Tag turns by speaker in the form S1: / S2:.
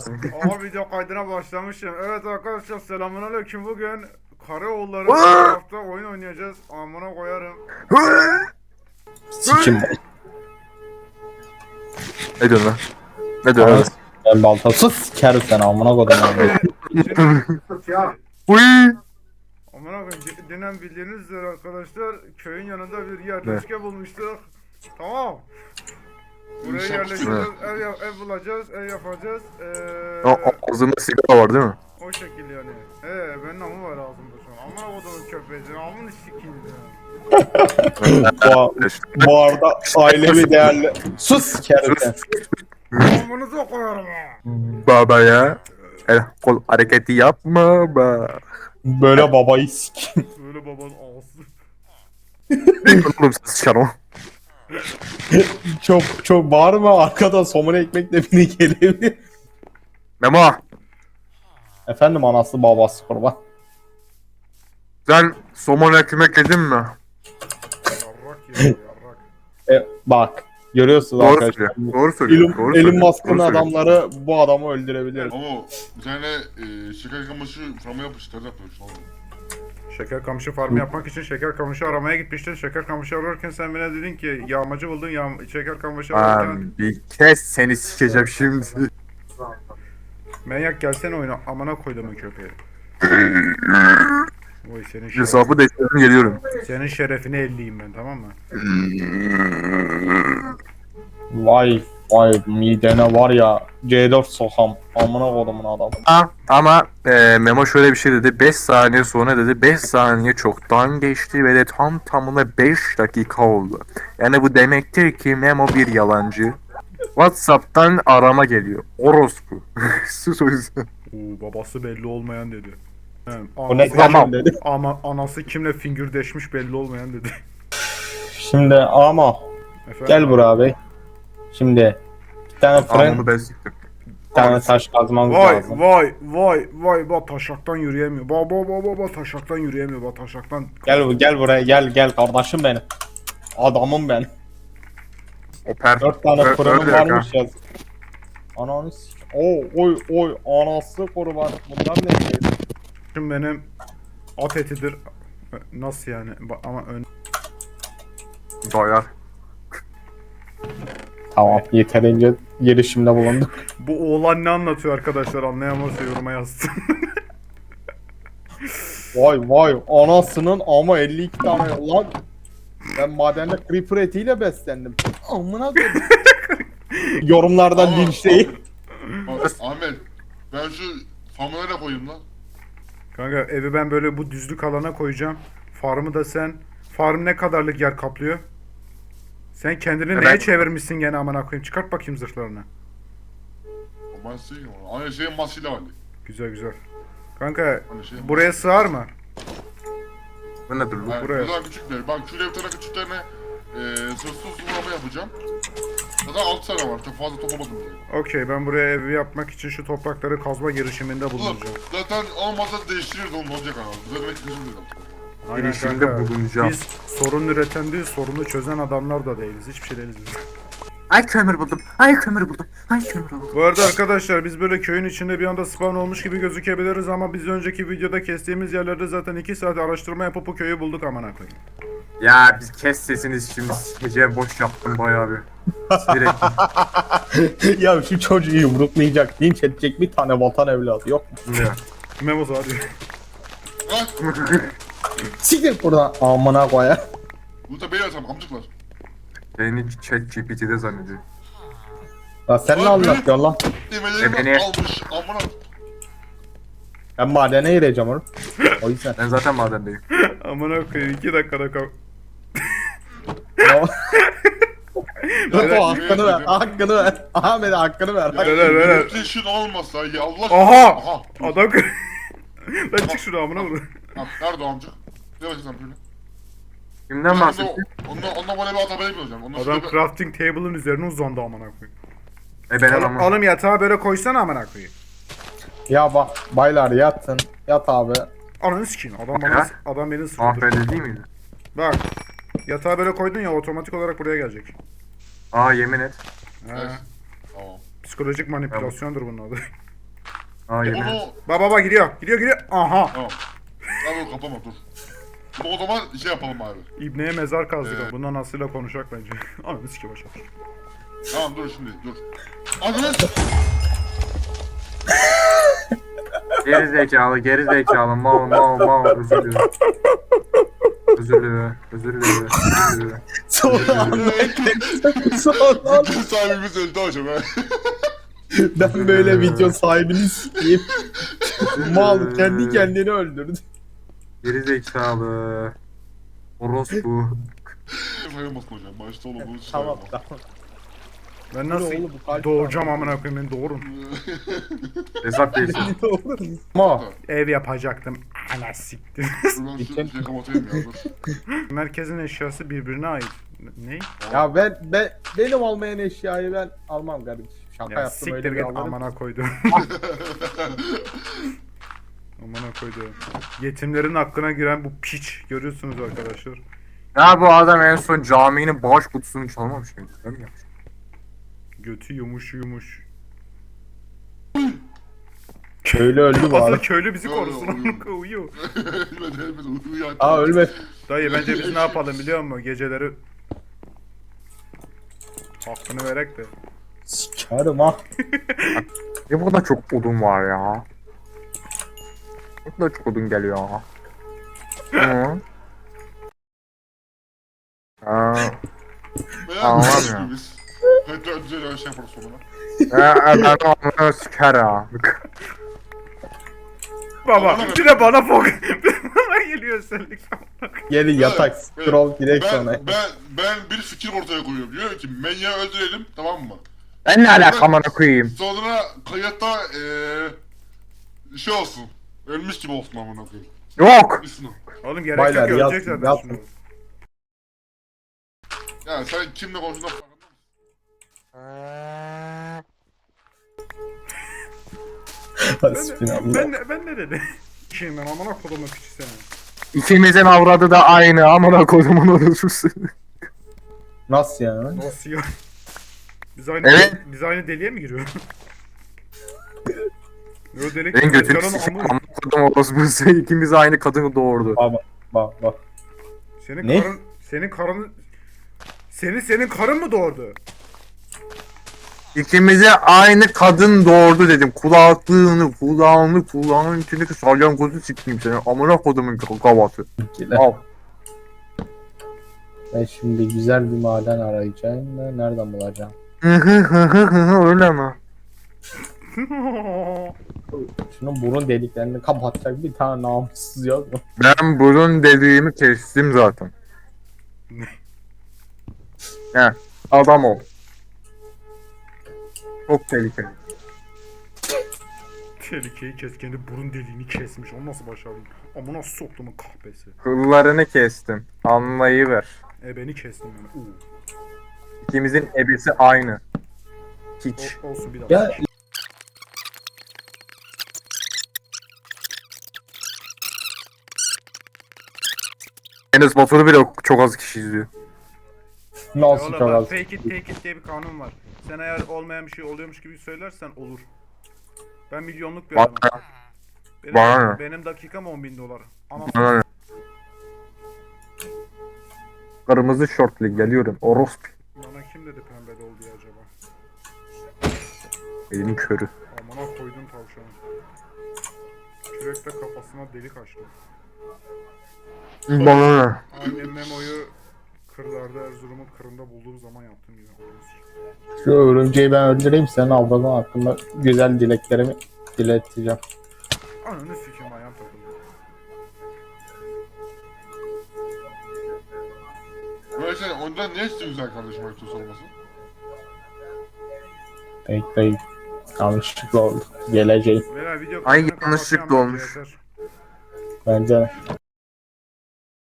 S1: Aha video kaydına başlamışım. Evet arkadaşlar selamünaleyküm. Bugün Karaoğulları Minecraft'ta oyun oynayacağız. Amına koyarım.
S2: Sikim.
S3: Ne diyorsun lan? Ne diyorsun lan?
S2: Ben baltasız sikerim sen amına kodum.
S1: Ya
S3: Uy!
S1: amına koyayım. Dinen bildiğiniz üzere arkadaşlar köyün yanında bir yerleşke bulmuştuk. Tamam. Buraya yerleşeceğiz, ev bulacağız, ev yapacağız.
S3: Ağzında sigara var değil mi?
S1: O şekil yani. Benim namı var ağzımda şu an. Amına kodumun köpeği. Amını sikildi ya.
S2: Bu arada ailevi değerli. Sus sikerim sen.
S1: Amınıza koyarım ha.
S3: Baba ya. El kol hareketi yapma be.
S2: Böyle babayı sikim.
S1: Böyle babanın ağzı.
S3: Oğlum sen sıçarım.
S2: Çok bağırma arkadan somuna ekmekle beni gelebilir.
S3: Memo.
S2: Efendim anası babası kurban.
S3: Sen somon ekmek yedin mi?
S1: Yarrak ya yarrak.
S2: Bak görüyorsunuz
S3: Doğru
S2: arkadaşlar.
S3: söylüyor. Doğru söylüyor. Doğru
S2: Elon
S3: söylüyor,
S2: Musk'ın
S3: doğru söylüyor.
S2: adamları bu adamı öldürebilir.
S4: Ama bir tane şeker kamışı frama yapıştırdı yapıyorsun oğlum.
S1: Şeker kamışı farmı yapmak için şeker kamışı aramaya gitmiştin. Şeker kamışı ararken sen bana dedin ki yağmacı buldun şeker kamışı ararken.
S3: Lan bir kez seni sikeceğim şimdi.
S1: Manyak gelsene oyuna amına koyduğumun köpeği. Oy senin
S3: Hesabı değiştirdim geliyorum.
S1: senin şerefine elliyim ben tamam mı?
S2: Vay midene var ya C4 sokam amına kodumun adamı.
S3: Ama Memo şöyle bir şey dedi. 5 saniye sonra dedi. 5 saniye çoktan geçti ve de tam tamına 5 dakika oldu. Yani bu demektir ki Memo bir yalancı. WhatsApp'tan arama geliyor. Orospu. Sus o yüzden.
S1: Oo babası belli olmayan dedi. He,
S2: Bu ne
S1: anası,
S3: Tamam.
S2: dedi.
S1: ama anası kimle fingirdeşmiş belli olmayan dedi.
S2: Şimdi ama
S1: Efendim?
S2: gel buraya bey. Şimdi bir tane fren,
S3: Amını ben siktim.
S2: bir tane taş kazmamız
S1: Vay
S2: lazım.
S1: vay bak taşaktan yürüyemiyor. Bak taşaktan yürüyemiyor. Bak taşaktan.
S2: Gel buraya gel kardeşim benim. Adamım ben.
S3: Oper.
S2: 4 tane
S3: Öyle
S2: fırınım
S3: yok
S2: varmış yaz. Ananı sik. Oy anası kurban. Bunlar ne şey?
S1: Şimdi benim at etidir. Nasıl yani? Ama
S3: Doyar.
S2: Tamam yeterince girişimde bulunduk.
S1: bu oğlan ne anlatıyor arkadaşlar anlayamazsa yoruma yazsın.
S2: Vay anasının ama 52 tane lan. Ben madende creeper etiyle beslendim. Amına koyayım. Yorumlarda
S4: Ama-
S2: linçleyin.
S4: Bak, Ahmet ben şu famuları da koyayım lan.
S1: Kanka evi ben böyle bu düzlük alana koyacağım. Farmı da sen. Farm ne kadarlık yer kaplıyor? Sen kendini
S3: Evet.
S1: neye çevirmişsin gene amına koyayım? Çıkart bakayım zırhlarını.
S4: Ben sileyim onu. Aynı şeyin masıyla var.
S1: Güzel. Kanka
S4: Aynı şeyin
S1: buraya sığar mı?
S3: Bu nedir bu?
S4: Yani
S1: buraya.
S4: buradan küçükler. Bak şuraya bir tane küçüklerine sırtsız vurama yapacağım. Zaten 6 tane var. Çok fazla toplamadım diye.
S1: Okey ben buraya evi yapmak için şu toprakları kazma girişiminde
S4: Oğlum
S1: bulunacağım.
S4: zaten olmazsa değiştiririz onu olacak abi. Zaten ikinci bir
S1: Aynen
S3: Girişimde
S1: kanka.
S3: bulunacağım.
S1: Biz sorun üreten değil, sorunu çözen adamlar da değiliz. Hiçbir şey değiliz biz.
S3: Ay kömür buldum. Ay kömür buldum.
S1: Bu arada arkadaşlar biz böyle köyün içinde bir anda spawn olmuş gibi gözükebiliriz ama biz önceki videoda kestiğimiz yerlerde zaten 2 saat araştırma yapıp bu köyü bulduk amına koyayım.
S3: Ya biz kes sesiniz şimdi sikeceğim boş yaptım bayağı bir. Sinir ettim.
S2: Ya şu çocuğu yumruklayacak, linç edecek bir tane vatan evladı yok mu?
S3: Ya.
S1: Memo hadi.
S4: Ha?
S2: Siktir buradan amına koya.
S4: Bunu da beni atalım amcıklar.
S3: Beni chat GPT'de zannediyor.
S2: Ya sen ne
S4: Abi.
S2: anlatıyorsun lan?
S4: Demeleri
S3: Beni-
S4: almış amına.
S2: Ben madene gireceğim oğlum. O yüzden.
S3: Ben zaten madendeyim.
S1: Amına koyayım 2 dakikada kal.
S2: Rıfo hakkını ver, hakkını ver. Ahmet hakkını ver.
S1: Ver.
S4: Reputation olmasa ya Allah aşkına.
S1: Aha! Adam Lan çık şuradan amına koyayım.
S4: Ha, nerede o amcık? Ne bakıyorsun böyle?
S3: Kimden bahsettin?
S4: Onunla bana bir atabeye bileceğim. Ondan
S1: Adam
S4: sonra
S1: crafting table'ın üzerine uzandı amına koyayım.
S3: Ben adamım.
S1: Oğlum yatağı böyle koysana amına koyayım.
S2: Ya bak baylar yatın. Yat abi.
S1: Ananı sikeyim.
S3: Ya.
S1: Adam beni
S3: Ah
S1: sıkıldı.
S3: ben değil miydi?
S1: Bak. Yatağı böyle koydun ya otomatik olarak buraya gelecek.
S3: Aa yemin et.
S1: Ha.
S4: Evet. Tamam.
S1: Psikolojik manipülasyondur bunun adı.
S3: Hayır.
S4: Bunu...
S1: Baba gidiyor. Gidiyor. Aha.
S4: Tamam. Tamam kapama dur. Bunu o zaman şey yapalım abi.
S1: İbneye mezar kazdık. Bundan Aslı'yla konuşacak bence. Ananı sikeyim aşağı.
S4: Tamam dur şimdi dur. Adres.
S3: Geri zekalı, mal, özür dilerim. Özür dilerim.
S2: Sonra anlayın. Sonra
S4: Bütün sahibimiz öldü hocam ha.
S2: ben böyle video sahibini sikeyim. Mal kendi kendini öldürdü.
S3: Geri zekalı. Orospu.
S4: Sayılmasın hocam. Başta olan bunu
S2: Tamam
S4: sayılmaz.
S2: tamam.
S1: Ben
S2: Bu
S1: nasıl
S2: ne oğlum, bu kalp
S1: doğuracağım
S2: var.
S1: amına koyayım beni doğurun.
S3: Hesap değilsin.
S2: Ne olur. Ama
S1: Ev yapacaktım. Ana siktir.
S4: Dur ben
S2: Geçen-
S4: şu şey kapatayım ya dur.
S1: Merkezin eşyası birbirine ait. Ne?
S2: ya benim olmayan eşyayı ben almam kardeşim. Şaka
S1: Ya
S2: yaptım öyle
S1: siktir
S2: bir
S1: git
S2: alırım.
S1: amına koydum. Amına koydum. Yetimlerin hakkına giren bu piç. Görüyorsunuz arkadaşlar.
S3: Ya bu adam en son caminin bağış kutusunu çalmamış mıydı? Değil mi?
S1: Götü yumuş.
S2: Köylü öldü bu
S1: Asıl
S2: arada.
S1: köylü bizi
S4: Yo,
S1: korusun.
S4: yo,
S1: Amına koyayım, uyuyor.
S4: Ölmedi uyuyor.
S2: Aa ölme.
S1: Dayı bence biz ne yapalım biliyor musun? Geceleri hakkını verek de.
S2: Sikerim ha.
S3: Ya burada çok odun var ya. Burada çok odun geliyor. Hı. Aa, Anlamıyorum.
S4: Biz. Hatta özel şey yaparız sonra.
S3: ben onu sikerim.
S1: Baba bir de bana fok. Bana geliyor özellik.
S2: Gelin yatak scroll direkt sonra.
S4: Ben bir fikir ortaya koyuyorum. Diyor ki Menya'yı öldürelim tamam mı?
S3: Ben ne alakamını koyayım?
S4: Sonra kayıtta şey olsun. Ölmüş gibi olsun amına koyayım.
S3: Yok.
S4: Bilsin o.
S1: Oğlum gerek
S2: Baylar,
S1: yok ölecek
S2: yapsın,
S1: zaten
S2: yapsın.
S1: şimdi.
S4: Ya sen kimle konuştuğunda farkında mısın?
S2: Hasbinallah.
S1: Ben ne dedi? Şeyim ben amına kodumu piçi seni.
S3: İkimizin avradı da aynı amına kodumun orospusu.
S2: Nasıl yani?
S1: Nasıl ya?
S3: Evet.
S1: Biz aynı deliğe mi giriyoruz? Yo delik.
S3: Benim götümü
S1: Canın
S3: sikeyim
S1: amı-
S3: amına kodum orospusu. İkimiz aynı kadını doğurdu.
S2: Bak.
S1: Senin
S2: Ne?
S1: karın senin karın senin karın mı doğurdu?
S3: İkimize aynı kadın doğurdu dedim. Kulağının içindeki salyangozu sikeyim seni. Amına kodumun kavası. Al.
S2: Ben şimdi güzel bir maden arayacağım da nereden bulacağım?
S3: Öyle mi?
S2: Şunun burun deliklerini kapatacak bir tane namussuz yok mu?
S3: Ben burun dediğimi kestim zaten. He, adam ol. Çok tehlikeli.
S1: Tehlikeyi kes kendi burun deliğini kesmiş. Onu nasıl başardın? Amına soktumun kahpesi.
S3: Kıllarını kestim. Anlayıver.
S1: Beni kestin yani.
S3: İkimizin ebesi aynı. Hiç.
S1: Olsun bir daha.
S2: Ya
S3: Enes Batur'u bile çok az kişi izliyor.
S2: nasıl
S1: Oğlum
S2: çok
S1: bak
S2: az?
S1: fake it take it diye bir kanun var. Sen eğer olmayan bir şey oluyormuş gibi söylersen olur. Ben milyonluk bir
S3: Bana
S1: adamım. Benim,
S3: bana ne?
S1: benim dakikam 10.000 dolar. Ama
S3: Bana ne? Kırmızı şortlu geliyorum. Orospu.
S1: bana kim dedi pembe ol diye acaba?
S3: Elinin körü.
S1: Amına koydum tavşanı. Kürekle kafasına delik açtım.
S3: Bana ne?
S1: Annem Memo'yu kırlarda Erzurum'un kırında bulduğu zaman yaptım ya.
S2: Şu örümceği ben öldüreyim senin avradın hakkında güzel dileklerimi dileteceğim.
S1: Ananı sikeyim ayağım takıldı.
S4: Böyle şey ondan ne istiyor güzel kardeşim ayıptır sorması?
S2: Bekleyin. Yanlışlıkla oldu. Geleceğim.
S1: Veya video
S3: Ay,
S1: kaydını
S3: yanlışlıkla
S1: kapatacağım
S3: olmuş.
S1: bence, yeter.
S2: Bence